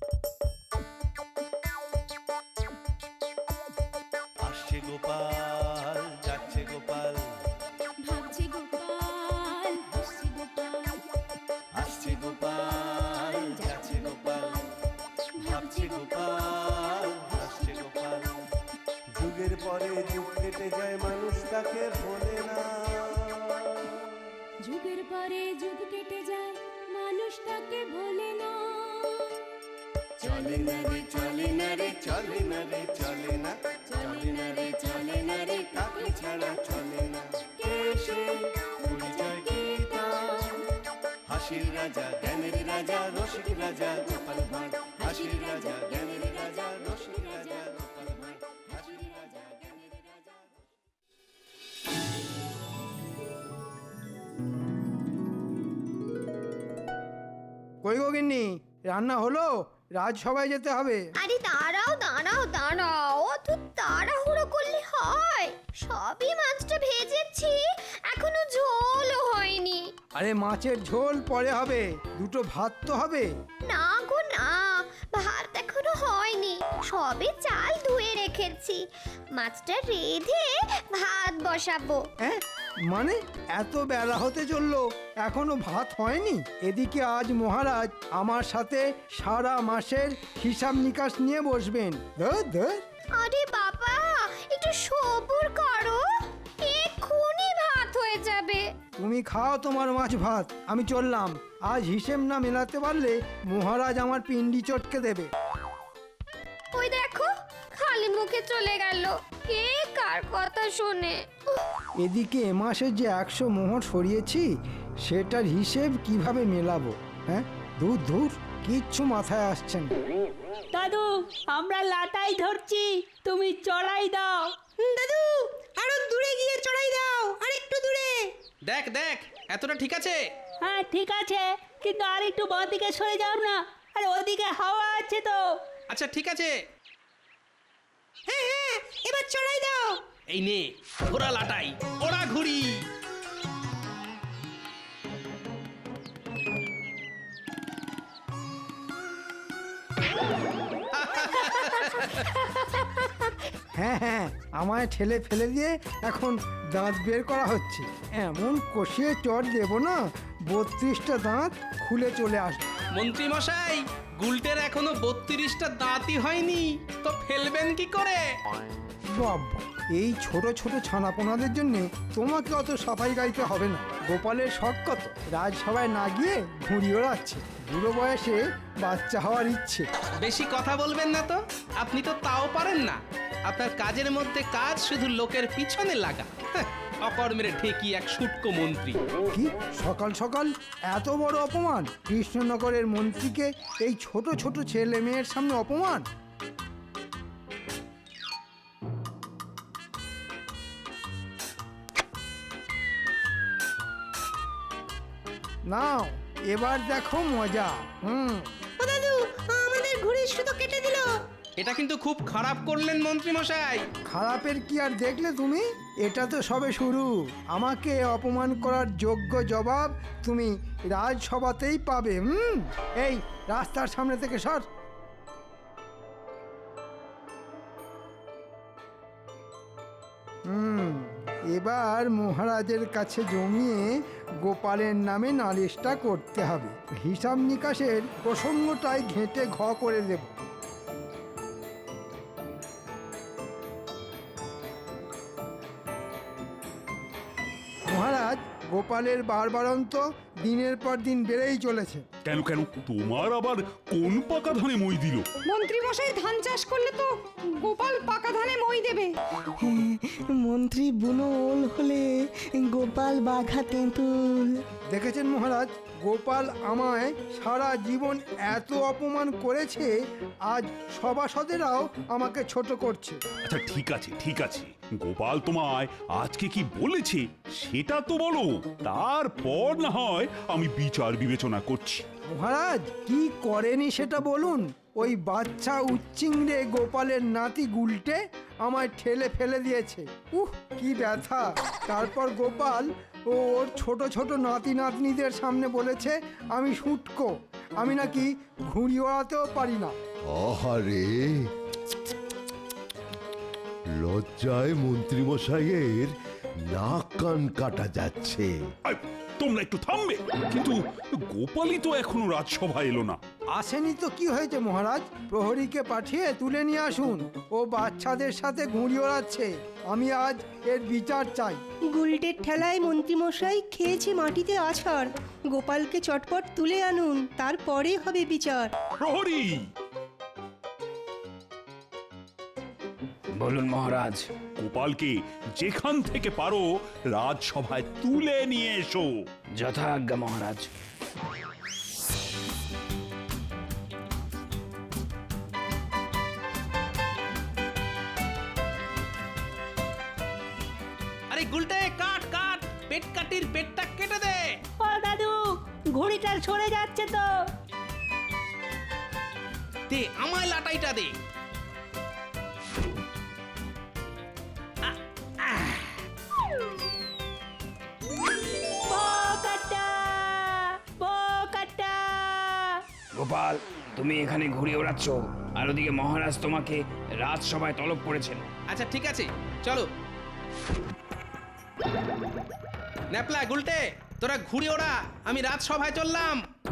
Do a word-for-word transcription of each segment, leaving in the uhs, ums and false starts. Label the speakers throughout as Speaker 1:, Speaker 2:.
Speaker 1: আসছে গোপাল, যাচ্ছে গোপাল,
Speaker 2: ভাবছে গোপাল, হাসছে গোপাল,
Speaker 1: আসছে গোপাল, যাচ্ছে গোপাল, ভাবছে গোপাল, হাসছে গোপাল। যুগের পরে যুগ কেটে যায়, মানুষ তাকে ভোলে না।
Speaker 2: যুগের পরে যুগ কেটে যায়, মানুষ তাকে ভোলে না।
Speaker 1: চলে না রে, চলে না রে, চলে না রে, চলে না, চলে না রে, চলে না রে, কাকে ছাড়া চলে না। কে সে পরিচয় কি তার? হাসির রাজা, জ্ঞানের রাজা, রসিক রাজা গোপাল ভাঁড়। হাসির রাজা, জ্ঞানের রাজা, রসিক রাজা গোপাল ভাঁড়। হাসির রাজা, জ্ঞানের রাজা।
Speaker 3: কই গো গিন্নি, রান্না হলো? রাজসভায় যেতে হবে।
Speaker 4: আরে দাঁড়াও দাঁড়াও দাঁড়াও, অত তাড়াহুড়ো করলে হয়? সবই মাছটা ভেজেছি, এখনো ঝোলও হয়নি।
Speaker 3: আরে মাছের ঝোল পরে হবে, দুটো ভাত তো হবে।
Speaker 4: না গো না, ভাত এখনো হয়নি, সবে চাল ধুয়ে রেখেছি। মাছটা রেঁধে ভাত বসাবো।
Speaker 3: হ্যাঁ মানে এত বেলা হতে চললো, এখনো ভাত হয়নি? এদিকে আজ মহারাজ আমার সাথে সারা মাসের হিসাব নিকাশ নিয়ে বসবেন। ধুর, ধুর।
Speaker 4: আরে বাবা, একটু সবুর করো, এক্ষুনি ভাত হয়ে যাবে।
Speaker 3: তুমি খাও তোমার মাছ ভাত, আমি চললাম। আজ হিসেব না মেলাতে পারলে মহারাজ আমার পিন্ডি চটকে দেবে।
Speaker 4: ওই দেখো, খালি মুখে চলে গেল, কে কার কথা শোনে।
Speaker 3: এদিকে এ মাসে যে একশো মোহর সরিয়েছি, সেটার হিসেব কিভাবে মেলাবো? হ্যাঁ দূর দূর, কিচ্ছু মাথায় আসছে না।
Speaker 5: দাদু, আমরা লাটাই ধরছি, তুমি চড়াই দাও।
Speaker 6: দাদু, আরো দূরে গিয়ে চড়াই দাও, আর একটু দূরে।
Speaker 7: দেখ দেখ, এতটা ঠিক আছে?
Speaker 5: হ্যাঁ ঠিক আছে, কিন্তু আর একটু বাঁ দিকে সরে যাও না, আর ওদিকে হাওয়া আছে তো।
Speaker 7: আচ্ছা ঠিক আছে,
Speaker 6: হ্যাঁ হ্যাঁ, এবার চড়াই দাও।
Speaker 7: এই নে ঘোড়া লাটাই, ওরা ঘুরি।
Speaker 3: হ্যাঁ হ্যাঁ, আমায় ঠেলে ফেলে দিয়ে এখন দাঁত বের করা হচ্ছে। এমন কষিয়ে চট দেবো না, বত্রিশটা দাঁত খুলে চলে আসবে।
Speaker 7: মন্ত্রী মশাই, গুলটের এখনো বত্রিশটা দাঁতই হয়নি, তো ফেলবেন কি করে?
Speaker 3: বাবা, এই ছোট ছোট ছানাপোনাদের জন্য তোমাকে অত সাফাই গাইতে হবে না। গোপালের শখ কত, রাজসভায় না গিয়ে ঘুড়ি ওড়াচ্ছে। বুড়ো বয়সে বাচ্চা হওয়ার ইচ্ছে।
Speaker 7: বেশি কথা বলবেন না তো, আপনি তো তাও পারেন না। আপনার কাজের মধ্যে কাজ শুধু লোকের পিছনে লাগা। হ্যাঁ, অকর্মের ঠেকি এক শুটকো মন্ত্রী।
Speaker 3: কি সকাল সকাল এত বড় অপমান! কৃষ্ণনগরের মন্ত্রীকে এই ছোট ছোট ছেলে মেয়ের সামনে অপমান! নাও এবার দেখো মজা। হুম
Speaker 6: ও দাদু, আমাদের ঘুড়ির সুতো কেটে দিল।
Speaker 7: এটা কিন্তু খুব খারাপ করলেন মন্ত্রী মশাই।
Speaker 3: খারাপের কি আর দেখলে তুমি? এটা তো সবে শুরু। আমাকে অপমান করার যোগ্য জবাব তুমি রাজসভাতেই পাবে। হুম এই রাস্তার সামনে থেকে সর। হুম এবার মহারাজের কাছে জমিয়ে গোপালের নামে নালিশটা করতে হবে। হিসাব নিকাশের প্রসঙ্গটাই ঘেঁটে ঘ করে দেব। মহারাজ, গোপালের বারবারন্ত দিনের পর দিন বেড়েই চলেছে।
Speaker 8: কেন কেন তোমার আবার কোন পাকা ধানে মই দিল?
Speaker 6: মন্ত্রী মশাই ধান চাষ করলে তো গোপাল পাকা ধানে মই দেবে।
Speaker 9: মন্ত্রী বুনো ওল হলে গোপাল বাঘা তেঁতুল।
Speaker 3: দেখেছেন মহারাজ, গোপাল আমায় সারা জীবন এত অপমান করেছে, আজ সভাসদেরাও আমাকে ছোট করছে।
Speaker 8: আচ্ছা ঠিক আছে ঠিক আছে, গোপাল তোমায় আজকে কি বলেছে সেটা তো বলো, তারপর না হয় আমি বিচার বিবেচনা করছি।
Speaker 3: মহারাজ, কি করেনি সেটা বলুন। ওই বাচ্চা উচ্চিংড়ে গোপালের নাতি গুলটে আমায় ঠেলে ফেলে দিয়েছে। উহ কি ব্যথা! তারপর গোপাল ও ওর ছোট ছোট নাতি নাতনিদের সামনে বলেছে আমি শুটকো, আমি নাকি ঘুড়ি ওড়াতেও পারি না।
Speaker 1: আহারে, লজ্জায় মন্ত্রীমশাইয়ের নাক কান কাটা যাচ্ছে।
Speaker 8: আই, তোমরা একটু থামবে? কিন্তু গোপালই তো এখনো রাজসভায় এলো না।
Speaker 3: আসেনি তো কি হয়েছে মহারাজ, প্রহরীকে পাঠিয়ে তুলে নিয়ে আসুন। ও বাচ্চাদের সাথে ঘুড়ি ওড়াচ্ছে, আমি আজ এর বিচার চাই।
Speaker 10: গুলটের ঠেলায় মন্ত্রীমশাই খেয়েছে মাটিতে আছাড়। গোপালকে চটপট তুলে আনুন, তারপরে হবে বিচার।
Speaker 8: প্রহরী!
Speaker 11: বলুন মহারাজ।
Speaker 8: গোপালকে যেখান থেকে পারো রাজসভায় তুলে নিয়ে এসো।
Speaker 11: যথাজ্ঞা মহারাজ।
Speaker 7: আরে গুলটে, কাট কাট, পেট কাটির পেটটা কেটে দে।
Speaker 5: ও দাদু, ঘুড়িটা সরে যাচ্ছে তো।
Speaker 7: দে আমায় লাটাইটা দে।
Speaker 5: বোকাটা, বোকাটা।
Speaker 11: গোপাল, তুমি এখানে ঘুরে ওড়াচ্ছ, আর ওদিকে মহারাজ তোমাকে রাজসভায় তলব করেছেন।
Speaker 7: আচ্ছা ঠিক আছে, চলো। ন্যাপলা, গুলটে, তোরা ঘুরে ওড়া, আমি রাজসভায় চললাম।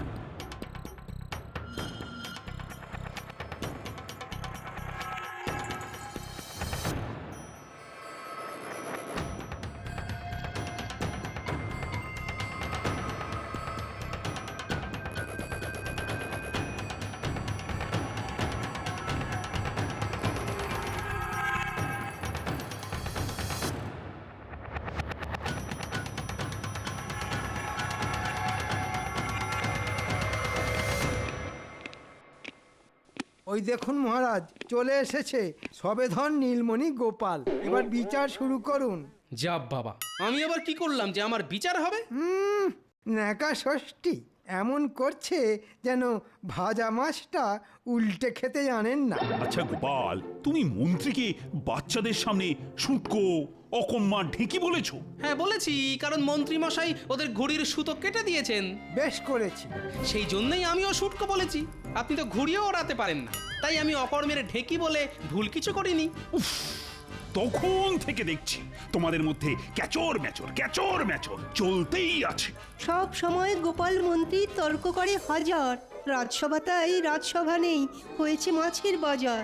Speaker 3: ওই দেখুন মহারাজ, চলে এসেছে সবেধন নীলমণি গোপাল। এবার বিচার শুরু করুন।
Speaker 7: যা বাবা, আমি আবার কি করলাম যে আমার বিচার হবে?
Speaker 3: হুম, ন্যাকা ষষ্ঠী এমন করছে যেন ভাজা মাছটা উল্টে খেতে জানেন না।
Speaker 8: আচ্ছা গোপাল, তুমি মন্ত্রীকে বাচ্চাদের সামনে শুটকো, অকম্মা ঢেকি বলেছো?
Speaker 7: হ্যাঁ বলেছি, কারণ মন্ত্রী মশাই ওদের ঘুড়ির সুতো কেটে দিয়েছেন।
Speaker 3: বেশ করেছি।
Speaker 7: সেই জন্যই আমিও শুটকো বলেছি। আপনি তো ঘুড়িও ওড়াতে পারেন না, তাই আমি অকর্মের ঢেকি বলে ভুল কিছু করিনি।
Speaker 8: উফ, তখন থেকে দেখছি তোমাদের মধ্যে ক্যাচর ম্যাচর ক্যাচর ম্যাচর চলতেই আছে।
Speaker 10: সব সময় গোপাল মন্ত্রী তর্ক করে হাজার। রাজসভা তাই রাজসভা নেই, হয়েছে মাছের বাজার।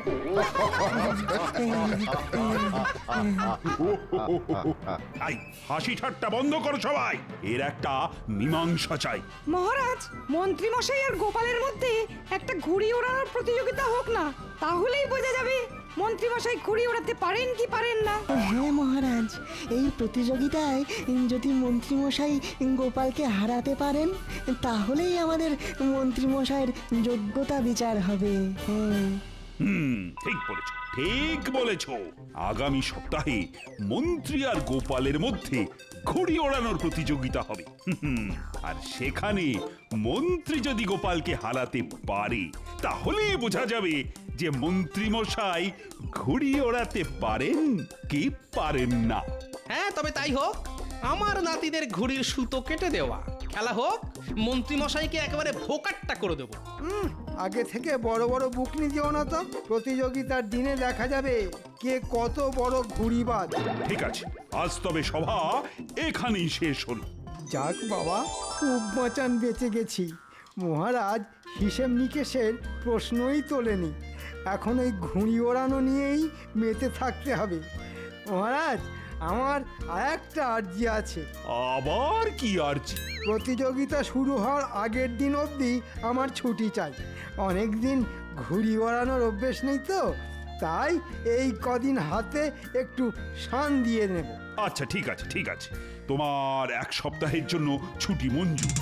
Speaker 8: আই, হাসি ঠাট্টা বন্ধ করো সবাই, এর একটা মীমাংসা চাই।
Speaker 6: মহারাজ, মন্ত্রীমশাই আর গোপালের মধ্যে একটা ঘুড়ি ওড়ানোর প্রতিযোগিতা হোক না, তাহলেই বোঝা যাবে মন্ত্রীমশাই ঘুড়ি ওড়াতে পারেন কি পারেন না।
Speaker 9: হ্যাঁ মহারাজ, এই প্রতিযোগিতায় যদি মন্ত্রীমশাই গোপালকে হারাতে পারেন, তাহলেই আমাদের মন্ত্রীমশাইয়ের যোগ্যতা বিচার হবে। হ্যাঁ,
Speaker 8: হুম, ঠিক বলেছ, ঠিক বলেছ। আগামী সপ্তাহে মন্ত্রী আর গোপালের মধ্যে ঘুড়ি ওড়ানোর প্রতিযোগিতা হবে। হুম, আর সেখানে মন্ত্রী যদি গোপালকে হারাতে পারে, তাহলেই বোঝা যাবে যে মন্ত্রী মশাই ঘুড়ি ওড়াতে পারেন কি পারেন না।
Speaker 7: হ্যাঁ, তবে তাই হোক। আমার নাতিদের ঘুড়ির সুতো কেটে দেওয়া, খেলা হোক। মন্ত্রী মশাইকে একেবারে ভোকাট্টা করে দেবো।
Speaker 3: হুম, আগে থেকে বড় বড় বুকনি দিও না তো। প্রতিযোগিতার দিনে দেখা যাবে কে কত বড় ঘুড়িবাজ।
Speaker 8: ঠিক আছে, আজ তবে সভা এখানেই শেষ হলো।
Speaker 3: যাক বাবা, খুব বাঁচান বেঁচে গেছি। মহারাজ হিসেব নিকেশের প্রশ্নই তোলেনি, এখন ওই ঘুড়ি ওড়ানো নিয়েই মেতে থাকতে হবে। মহারাজ, আমার আর একটা আর্জি আছে।
Speaker 8: আবার কি আর্জি?
Speaker 3: প্রতিযোগিতা শুরু হওয়ার আগের দিন অবধি আমার ছুটি চাই। অনেক দিন ঘুড়ি ওড়ানোর অভ্যেস নেই তো, তাই এই কদিন হাতে একটু শান দিয়ে নেব।
Speaker 8: আচ্ছা ঠিক আছে, ঠিক আছে, তোমার এক সপ্তাহের জন্য ছুটি মঞ্জুর।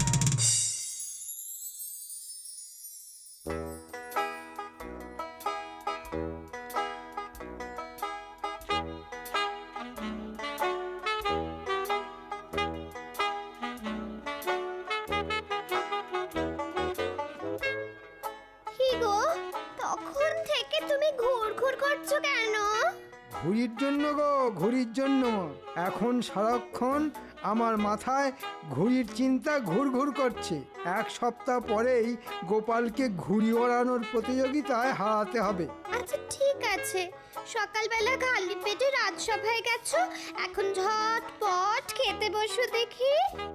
Speaker 4: কি গো, তখন থেকে তুমি ঘুর ঘুর করছো কেন?
Speaker 3: ঘুড়ির জন্য গো, ঘুড়ির জন্য। এখন সারাক্ষণ আমার মাথায় ঘুড়ির চিন্তা ঘুরঘুর করছে। এক সপ্তাহ পরেই গোপালকে ঘুড়ি ওড়ানোর প্রতিযোগিতায় হারাতে হবে।
Speaker 4: আচ্ছা ঠিক আছে, সকালবেলা খালি পেটে রাজসভায় গেছো, এখন ঝটপট খেতে বসো দেখি।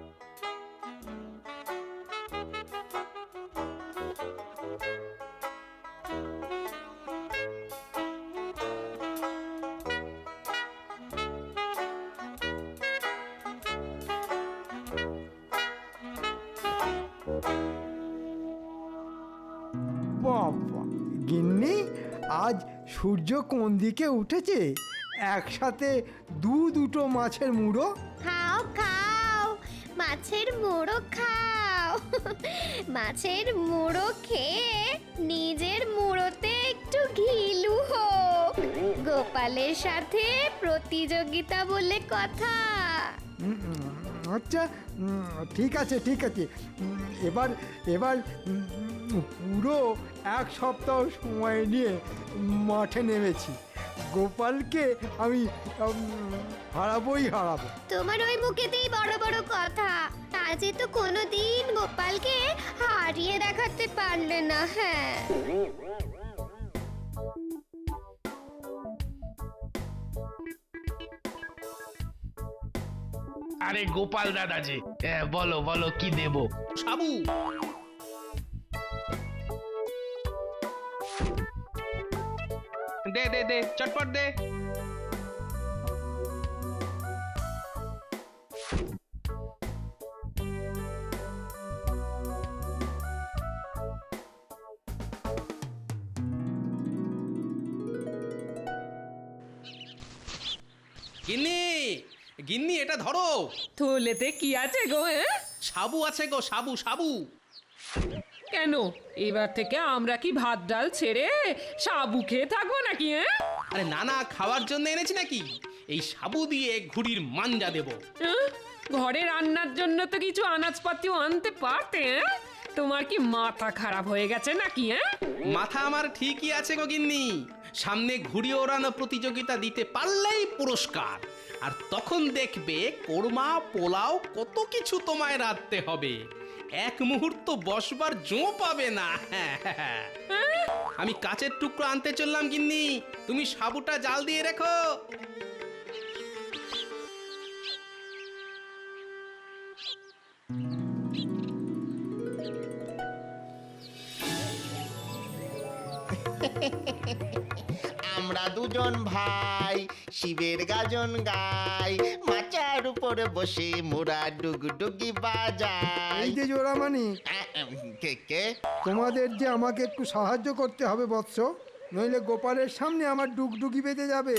Speaker 3: বাবা, গিন্নি আজ সূর্য কোন দিকে উঠেছে? একসাথে দু দুটো মাছের মুড়ো।
Speaker 4: খাও খাও, মাছের মুড়ো খাও। মাছের মুড়ো খেয়ে নিজের মুড়োতে একটু ঘিলু হোক। গোপালের সাথে প্রতিযোগিতা বলে কথা।
Speaker 3: উম, উম, আচ্ছা উম, ঠিক আছে ঠিক আছে উম, এবার এবার উম, পুরো এক সপ্তাহ সময় নিয়ে মাঠে নেমেছি। গোপালকে আমি উম, হারাবোই হারাবো।
Speaker 4: তোমার ওই মুখেতেই বড় বড় কথা, আজে তো কোনোদিন গোপালকে হারিয়ে দেখাতে পারলে না। হ্যাঁ,
Speaker 11: আরে গোপাল দাদাজি, হ্যাঁ, বলো বলো কি দেবো?
Speaker 7: সাবু, দে দে দে, চটপট দে। গিন্নি, গিন্নি এটা ধরো।
Speaker 12: থলেতে কি আছে গো? হ্যাঁ,
Speaker 7: সাবু আছে গো, সাবু সাবু।
Speaker 12: কেন এবার থেকে আমরা কি ভাত ডাল ছেড়ে সাবু খেয়ে থাকবো নাকি? হ্যাঁ,
Speaker 7: আরে না না, খাওয়ার জন্য এনেছি নাকি। এই সাবু দিয়ে ঘুড়ির মাঞ্জা দেব।
Speaker 12: হ্যাঁ? ঘরে রান্নার জন্য তো কিছু আনাজপাতিও আনতে পারতে। হ্যাঁ? তোমার কি মাথা খারাপ হয়ে গেছে নাকি? হ্যাঁ,
Speaker 7: মাথা আমার ঠিকই আছে গো গিন্নি। সামনে ঘুড়ি ওড়ানো প্রতিযোগিতা দিতে পারলেই পুরস্কার। আর তখন দেখবে কোরমা পোলাও কত কিছু তোমায় রাঁধতে হবে। এক মুহূর্ত বসবার জো পাবে না। আমি কাচের টুকরো আনতে চললাম গিন্নি, তুমি সাবুটা জাল দিয়ে রেখো।
Speaker 13: আমরা দুজন ভাই শিবের গাজন গাই, মাচার উপরে বসে মোরা ডুগডুগি বাজাই।
Speaker 3: এই যে জোড়ামানি,
Speaker 13: আ- আম, কে কে
Speaker 3: তোমাদের যে আমাকে একটু সাহায্য করতে হবে বৎস, নইলে গোপালের সামনে আমার ডুগডুগি বেঁধে যাবে।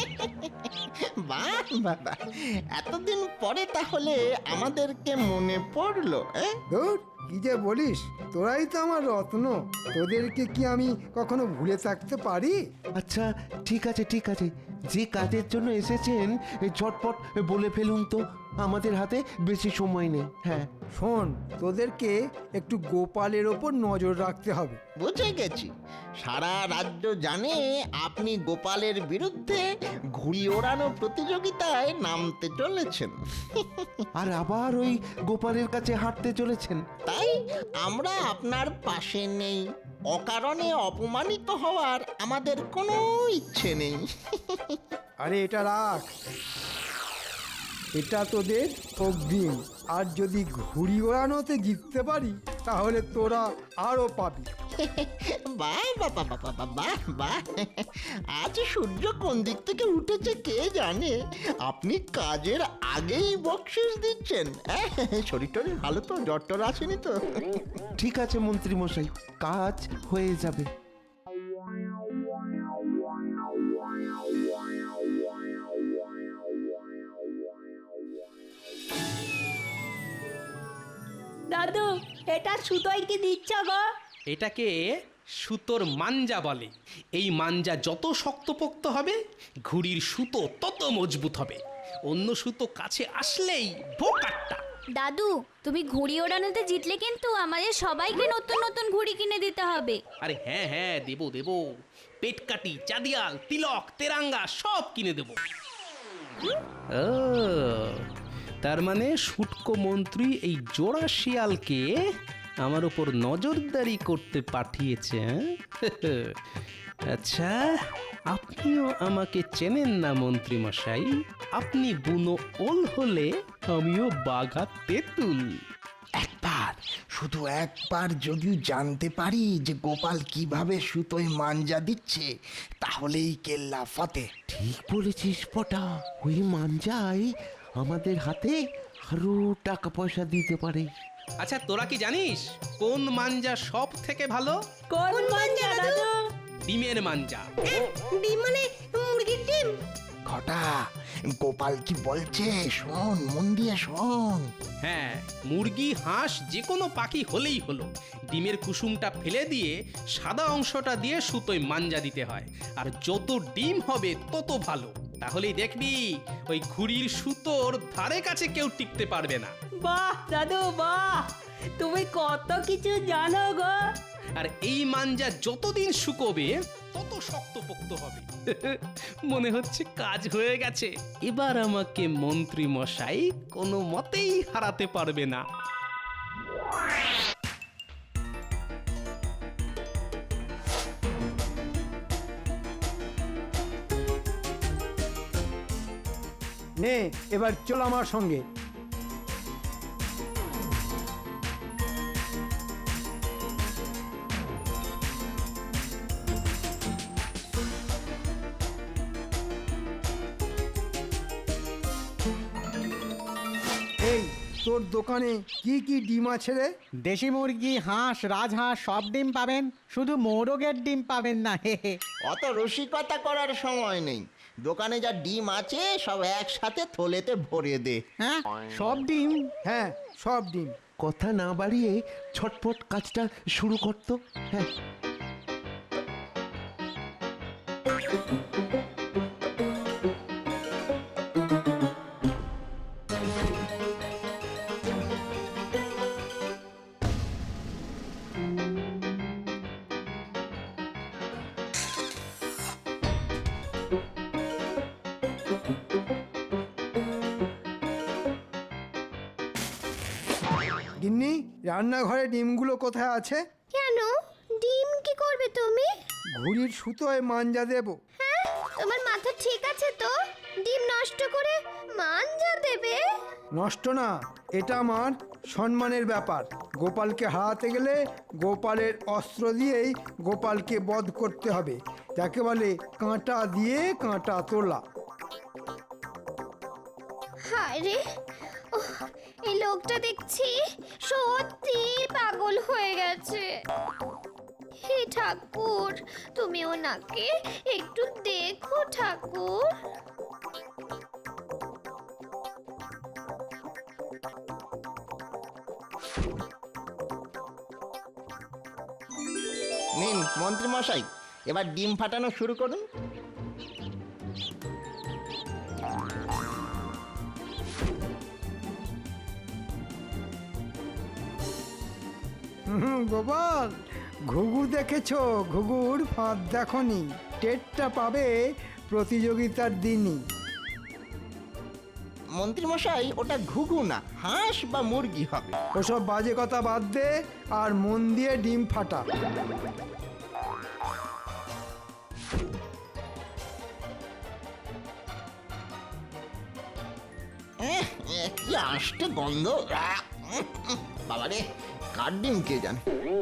Speaker 13: বাহ বাবা, এতদিন পরে তাহলে আমাদেরকে মনে পড়লো। এ?
Speaker 3: ধুর, কি যে বলিস, তোরাই তো আমার রত্ন। তোদেরকে কি আমি কখনো ভুলে থাকতে পারি?
Speaker 14: আচ্ছা ঠিক আছে ঠিক আছে, যে কাজের জন্য এসেছেন ঝটপট বলে ফেলুন তো, আমাদের হাতে বেশি সময় নেই। হ্যাঁ
Speaker 3: শোন, তোদেরকে একটু গোপালের ওপর নজর রাখতে হবে।
Speaker 13: বুঝে গেছি, সারা রাজ্য জানে আপনি গোপালের বিরুদ্ধে ঘুড়ি ওড়ানো প্রতিযোগিতায় নামতে চলেছেন।
Speaker 14: আর আবার ওই গোপালের কাছে হাঁটতে চলেছেন।
Speaker 13: তাই আমরা আপনার পাশে নেই। অকারণে অপমানিত হওয়ার আমাদের কোনো ইচ্ছে নেই।
Speaker 3: আরে এটা রাখ, এটা তোদের অগ্রিম। আর যদি ঘুড়ি ওড়ানোতে জিততে পারি তাহলে তোরা আরো পাবি।
Speaker 13: বাহ বাবা বাবা বাহ বাহ, আজ সূর্য কোন দিক থেকে উঠেছে কে জানে। আপনি কাজের আগেই বকশিস দিচ্ছেন। হ্যাঁ, শরীর টরীর ভালো তো? জ্বর টর আসেনি তো?
Speaker 14: ঠিক আছে মন্ত্রী মশাই, কাজ হয়ে যাবে।
Speaker 5: দাদু, এটা সুতোয় কি দিচ্ছ গো?
Speaker 7: এটাকে সুতোর মাঞ্জা বলে। এই মাঞ্জা যত শক্তপোক্ত হবে ঘুড়ির সুতো তত মজবুত হবে। অন্য সুতো কাছে আসলেই বোকাট্টা।
Speaker 4: দাদু, তুমি ঘুড়ি ওড়ানোতে জিতলে কিন্তু আমাদের সবাইকে নতুন নতুন ঘুড়ি কিনে দিতে হবে।
Speaker 7: আরে হ্যাঁ হ্যাঁ, দেবো দেবো। পেটকাটি, চাঁদিয়াল, তিলক, তেরাঙ্গা সব কিনে দেবো। ও তার মানে শুটকো মন্ত্রী এই জোড়া শিয়ালকে আমার উপর নজরদারি করতে পাঠিয়েছে, হ্যাঁ? আচ্ছা, আপনিও আমাকে চেনেন না মন্ত্রী মশাই। আপনি বুনো ওল হলে আমিও বাঘা তেঁতুল।
Speaker 13: একবার, শুধু একবার যদি জানতে পারি যে গোপাল কিভাবে সুতোয় মাঞ্জা দিচ্ছে, তাহলেই কেল্লা ফতে।
Speaker 14: ঠিক বলেছিস পটা, ওই মাঞ্জাই আমাদের হাতে আরো টাকা পয়সা দিতে পারে।
Speaker 7: আচ্ছা, তোরা কি জানিস কোন মাঞ্জা সব থেকে ভালো?
Speaker 5: কোন মাঞ্জা দাদু?
Speaker 7: ডিমের মাঞ্জা।
Speaker 10: ডিম মানে মুরগির ডিম?
Speaker 13: ঘটা, গোপাল কি বলছে শোন, মন দিয়ে শোন।
Speaker 7: হ্যাঁ, মুরগি হাঁস যে কোনো পাখি হলেই হলো, ডিমের কুসুমটা ফেলে দিয়ে সাদা অংশটা দিয়ে সুতোয় মাঞ্জা দিতে হয়, আর যত ডিম হবে তত ভালো। তাহলেই দেখবি ওই ঘুড়ির সুতোর ধারে কাছে কেউ টিকতে পারবে না।
Speaker 5: বাহ দাদু বাহ, তুমি কত কিছু জানো গো।
Speaker 7: আর এই মাঞ্জা যতদিন শুকোবে তত শক্তপোক্ত হবে। মনে হচ্ছে কাজ হয়ে গেছে। এবার আমাকে মন্ত্রী মশাই কোনো মতেই হারাতে পারবে না।
Speaker 3: নে এবার চল আমার সঙ্গে। এই তোর দোকানে কি কি ডিম আছে রে?
Speaker 15: দেশি মুরগি, হাঁস, রাজহাঁস সব ডিম পাবেন, শুধু মোরগের ডিম পাবেন না। হে হে।
Speaker 13: অত রসিকতা করার সময় নেই, দোকানে যা ডিম আছে সব একসাথে থলেতে ভরে দে।
Speaker 15: হ্যাঁ, সব ডিম?
Speaker 3: হ্যাঁ, সব ডিম।
Speaker 14: কথা না বাড়িয়ে ছটপট কাজটা শুরু করতো। হ্যাঁ,
Speaker 3: গিন্নি, রান্নাঘরে ডিমগুলো কোথায় আছে?
Speaker 4: কেন? ডিম কি করবে তুমি?
Speaker 3: ঘুড়ির সুতোয় মাঞ্জা দেব।
Speaker 4: হ্যাঁ, তোমার মাথা ঠিক আছে তো? ডিম নষ্ট করে মাঞ্জা দেবে?
Speaker 3: নষ্ট না, এটা আমার সম্মানের ব্যাপার। গোপালকে হারাতে গেলে গোপালের অস্ত্র দিয়েই গোপালকে বধ করতে হবে। যাকে বলে কাঁটা দিয়ে কাঁটা তোলা।
Speaker 4: হায় রে, ওহ, এই লোকটা দেখছি সত্যি পাগল হয়ে গেছে। হে ঠাকুর, তুমি ওনাকে একটু দেখো ঠাকুর।
Speaker 13: নিন মন্ত্রী মশাই, এবার ডিম ফাটানো শুরু করুন।
Speaker 3: হুম, গোপাল, ঘুঘু দেখেছো? ঘুঘুর ফাঁদ দেখনি? টেরটা পাবে প্রতিযোগিতার দিনই।
Speaker 13: মন্ত্রী মশাই, ওটা ঘুঘু না, হাঁস বা মুরগি হবে।
Speaker 3: ওসব বাজে কথা বাদ দে আর মন দিয়ে ডিম ফাটা।
Speaker 13: এহ, এহ, কি আষ্টে গন্ধ! আহ, উম, উম, বাবারে, কার ডিম কে জানে।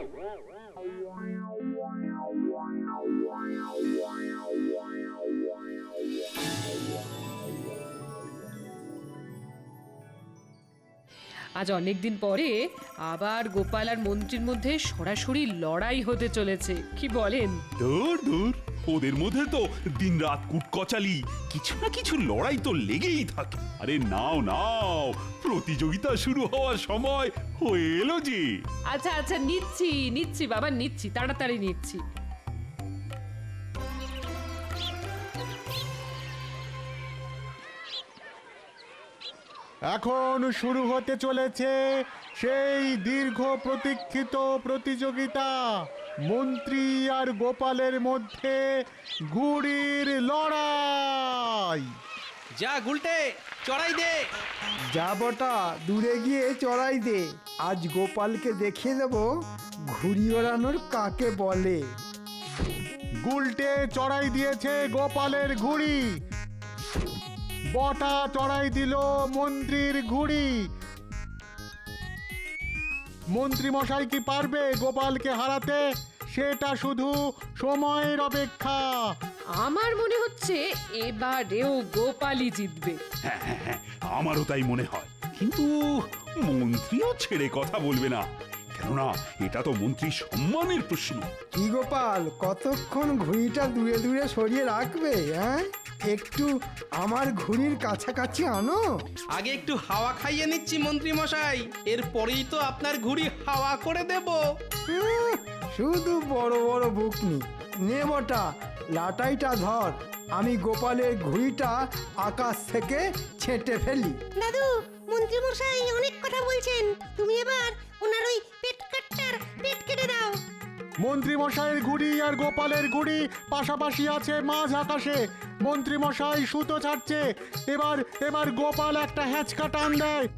Speaker 12: আজ অনেকদিন পরে আবার গোপাল আর মন্ত্রীর মধ্যে সরাসরি লড়াই হতে চলেছে, কি বলেন?
Speaker 8: দূর দূর, ওদের মধ্যে তো দিন রাত কুটকচালি, কিছু না কিছু লড়াই তো লেগেই থাকে। আরে নাও নাও, প্রতিযোগিতা শুরু হওয়ার সময় হয়ে এলো যে।
Speaker 12: আচ্ছা আচ্ছা, নিচ্ছি নিচ্ছি বাবা, নিচ্ছি, তাড়াতাড়ি নিচ্ছি।
Speaker 15: এখন শুরু হতে চলেছে সেই দীর্ঘ প্রতীক্ষিত প্রতিযোগিতা, মন্ত্রী আর গোপালের মধ্যে ঘুড়ির লড়াই।
Speaker 7: যা গুলটে চড়াই দে।
Speaker 3: যা বটা দূরে গিয়ে চড়াই দে। আজ গোপালকে দেখিয়ে দেব ঘুড়ি ওড়ানোর কাকে বলে।
Speaker 16: গুলটে চড়াই দিয়েছে গোপালের ঘুড়ি, বটা চড়াই দিল মন্ত্রীর ঘুড়ি। মন্ত্রী মশাই কি পারবে গোপালকে হারাতে? সেটা শুধু সময়ের অপেক্ষা।
Speaker 12: আমার মনে হচ্ছে এবারেও গোপালই জিতবে।
Speaker 8: হ্যাঁ হ্যাঁ হ্যাঁ আমারও তাই মনে হয়, কিন্তু মন্ত্রীও ছেড়ে কথা বলবে না, কেননা এটা তো মন্ত্রী সম্মানের প্রশ্ন।
Speaker 3: কি গোপাল, কতক্ষণ ঘুড়িটা দূরে দূরে সরিয়ে রাখবে? হ্যাঁ, একটু আমার ঘুড়ির কাছাকাছি আনো।
Speaker 7: আগে একটু হাওয়া খাইয়ে নিচ্ছি মন্ত্রী মশাই, এরপরেই তো আপনার ঘুড়ি হাওয়া করে দেব।
Speaker 3: হুম, শুধু বড় বড় বুকনি। নে বটা, লাটাইটা ধর, আমি গোপালের ঘুড়িটা আকাশ থেকে ছেঁটে ফেলি।
Speaker 10: দাদু, মন্ত্রী মশাই অনেক কথা বলছেন, তুমি এবার ওনার ওই পেট কাটটার পেট কেটে দাও।
Speaker 16: মন্ত্রী মশাইয়ের ঘুড়ি আর গোপালের ঘুড়ি পাশাপাশি আছে মাঝ আকাশে। মন্ত্রী মশাই সুতো ছাড়ছে, এবার এবার গোপাল একটা হ্যাঁচকা টান দেয়।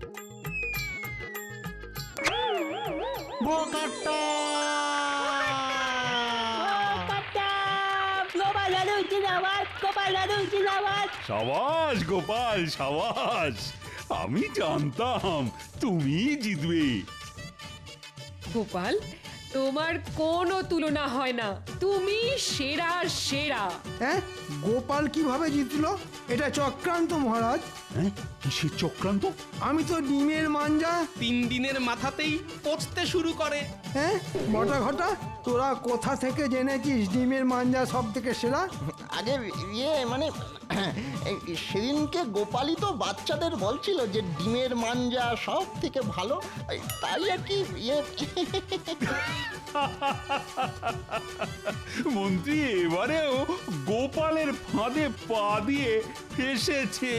Speaker 16: বোকাট্টা!
Speaker 5: গোপাল দাদু জিন্দাবাদ, গোপাল দাদু জিন্দাবাদ।
Speaker 8: সাবাস গোপাল সাবাস, আমি জানতাম তুমি জিতবে।
Speaker 12: গোপাল, তোমার কোনো তুলনা হয় না, তুমি সেরা সেরা।
Speaker 3: হ্যাঁ, গোপাল কিভাবে জিতলো? এটা চক্রান্ত মহারাজ।
Speaker 8: হ্যাঁ, কিসের চক্রান্ত?
Speaker 3: আমি তো ডিমের মাঞ্জা।
Speaker 7: তিন দিনের মাথাতেই পচতে শুরু করে।
Speaker 3: হ্যাঁ, বটা ঘটা, তোরা কোথা থেকে জেনেছিস ডিমের মাঞ্জা সব থেকে সেরা?
Speaker 13: আগে ইয়ে মানে এই সেদিনকে গোপালই তো বাচ্চাদের বলছিল যে ডিমের মাঞ্জা সব থেকে ভালো, এই তাই আর কি ইয়ে
Speaker 8: মন্ত্রী এবারেও গোপালের ফাঁদে পা দিয়ে ফেসেছে।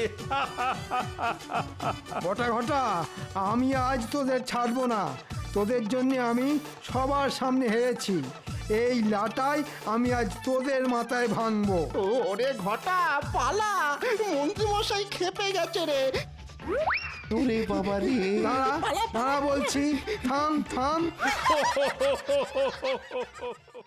Speaker 3: বটা ঘটা, আমি আজ তোদের ছাড়বো না। তোদের জন্য আমি সবার সামনে হেরেছি। এই লাটাই আমি আজ তোদের মাথায় ভাঙবো।
Speaker 13: ওরে ঘটা পালা, মন্ত্রী মশাই খেপে গেছে রে।
Speaker 14: ওরে বাবা রে,
Speaker 3: দাঁড়া দাঁড়া বলছি, থাম থাম।